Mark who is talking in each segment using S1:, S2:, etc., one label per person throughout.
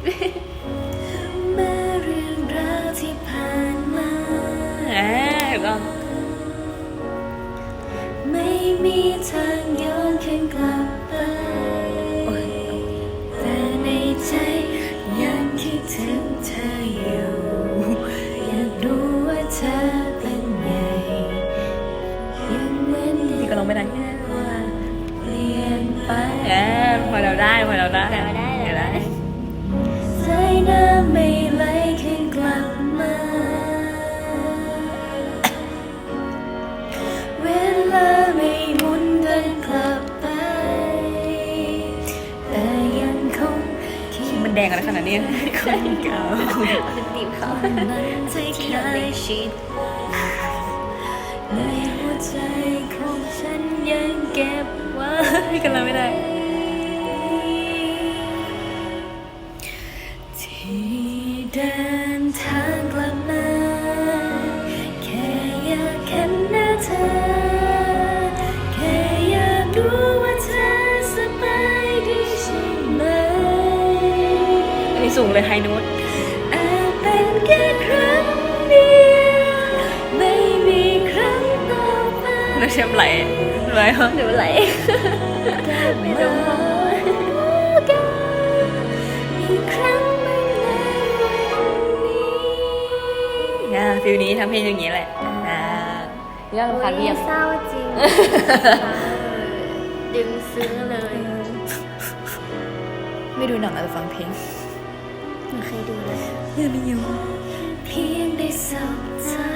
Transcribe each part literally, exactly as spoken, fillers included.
S1: แม้เรื่องราวที่ผ่านมาก็ไม่มีทางย้อนคืนกลับไปแต่ในใจยังคิดถึงเธออยู่อยากรู้ว่าเธอเป็นไงยังเหมือนนี่ก็ลงไม่ได้แค่ว่าเปลี่ยนไปเออพอเราได้พอเราได้เราได้เราได้สายน้ำไม่ไหลคืนกลับมาเวลาไม่หมุนเดินกลับไปแต่ยังคงมันแดงอะไรขนาดนี้คนเก่าเป็นตีบเขาใจเคยชิดในหัวใจของฉันยังเก็บไว้กันแล้วไม่ได้ที่เดินทางกลับมาแค่อยากเห็นหน้าเธอแค่อยากรู้ว่าเธอสบายดีใช่ไหมอันนี้สูงเลยไฮโน้ตอาจเป็นแค่ครั้งเดียวไม่มีครั้งต่อไปแล้วเชื่อมไหลไหลเหรอหรือไหลไม่ต้องมองอีกครั้งไม่ในวันนี้อ่าฟิลนี้ทำเพลงอย่างนี้แหละอ่าเรื่องความเรียบ
S2: เศร้าจริง ดึงซื้อเลย
S1: ไม่ดูหนังแต่ฟังเพลง
S2: ไม่เคยดูเลย
S1: เรื่องนี้อยู่เพียงได้สบตา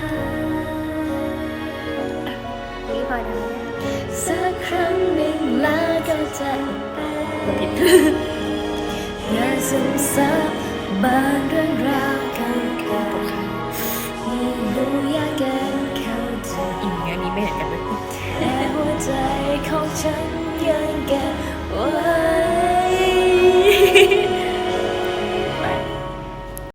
S2: นี่พอได้
S1: สักครั้งหนึ่งแล้วก็จะไปผิดอย่าซึมซับบางเรื่องราวเก่าๆยิ่งดูยากเกินเข้าใจอีกอันนี้ไม่เห็นกันเลยแต่หัวใจของฉันยังเก็บ